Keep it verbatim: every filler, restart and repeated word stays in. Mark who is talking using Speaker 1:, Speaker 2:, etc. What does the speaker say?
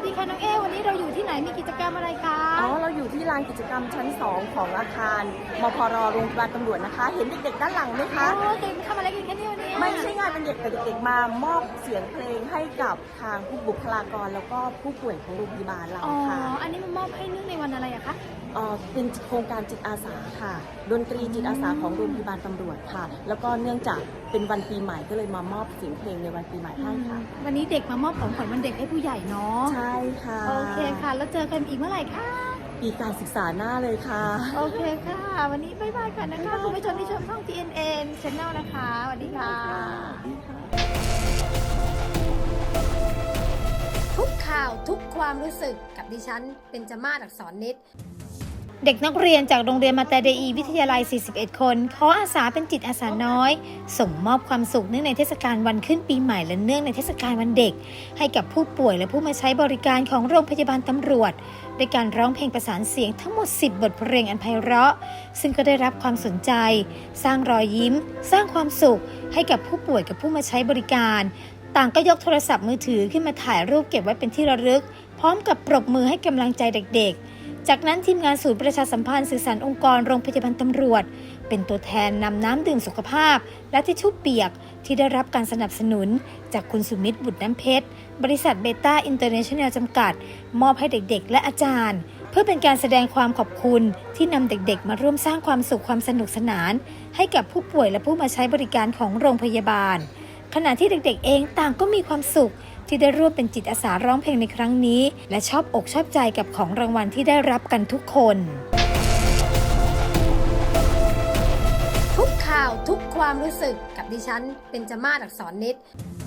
Speaker 1: ดีค่ะน้องเอวันนี้เราอยู่ที่ไหนมีกิจกรรมอะไรคะ
Speaker 2: อ๋อเราอยู่ที่ลานกิจกรรมชั้นสองของอาคารมพรโรงพยาบาลตำรวจนะคะเห็นเด็กๆด้านหลังไหมคะ
Speaker 1: โอ้เด็กทำอะไรกันคะเนี่ยวันนี้
Speaker 2: ไม่ใช่งานเป็นเด็กแต่เด็กๆมามอบเสียงเพลงให้กับทางผู้บุคลากรแล้วก็ผู้ป่วยของโรงพยาบาลเรา
Speaker 1: อ๋อ
Speaker 2: ค่ะ
Speaker 1: อันนี้มันมอบให้เนื่องในวันอะไรอะคะ
Speaker 2: เอ่อเป็นโครงการจิตอาสาค่ะดนตรีจิตอาสาของโรงพยาบาลตำรวจค่ะ แล้วก็เนื่องจากเป็นวันปีใหม่ก็เลยมามอบเสียงเพลงในวันปีใหม่ให้ค่ะ
Speaker 1: วันนี้เด็กมามอบของขวัญวันเด็กให้ผู้ใหญ่เนาะ
Speaker 2: ใช่ค่ะ
Speaker 1: โอเคค่ะ แล้วเจอกันอีกเมื่อไหร่คะ
Speaker 2: ปีการศึกษาหน้าเลยค่ะ
Speaker 1: โอเคค่ะ วันนี้บ๊ายบายก่อนนะคะคุณผู้ชมที่ชมช่อง ที เอ็น เอ็น Channel นะคะสวัสดีค่ะ
Speaker 3: ทุกข่าวทุกความรู้สึกกับดิฉันเป็นจมาศอักษรนิด
Speaker 1: เด็กนักเรียนจากโรงเรียนมาแต่เดอีวิทยาลัย สี่สิบเอ็ด คนขออาสาเป็นจิตอาสาน้อย ส่งมอบความสุขเนื่องในเทศกาลวันขึ้นปีใหม่และเนื่องในเทศกาลวันเด็ก ให้กับผู้ป่วยและผู้มาใช้บริการของโรงพยาบาลตำรวจด้วยการร้องเพลงประสานเสียงทั้งหมด สิบ บทเพลงอันไพเราะซึ่งก็ได้รับความสนใจ สร้างรอยยิ้ม สร้างความสุขให้กับผู้ป่วยกับผู้มาใช้บริการ ต่างก็ยกโทรศัพท์มือถือขึ้นมาถ่ายรูปเก็บไว้เป็นที่ระลึก พร้อมกับปรบมือให้กำลังใจเด็กๆ จากนั้นทีมงานศูนย์ประชาสัมพันธ์สื่อสารองค์กรโรงพยาบาลตำรวจเป็นตัวแทนนำน้ำดื่มสุขภาพและทิชชู่เปียกที่ได้รับการสนับสนุนจากคุณสุมิตรบุตรน้ำเพชรบริษัทเบต้าอินเตอร์เนชั่นแนลจำกัดมอบให้เด็กๆและอาจารย์เพื่อเป็นการแสดงความขอบคุณที่นำเด็กๆมาร่วมสร้างความสุขความสนุกสนานให้กับผู้ป่วยและผู้มาใช้บริการของโรงพยาบาลขณะที่เด็กๆเองต่างก็มีความสุขที่ได้ร่วมเป็นจิตอาสาร้องเพลงในครั้งนี้และชอบอกชอบใจกับของรางวัลที่ได้รับกันทุกคน
Speaker 3: ทุกข่าวทุกความรู้สึกกับดิฉันเป็นจมาศอักษรนิด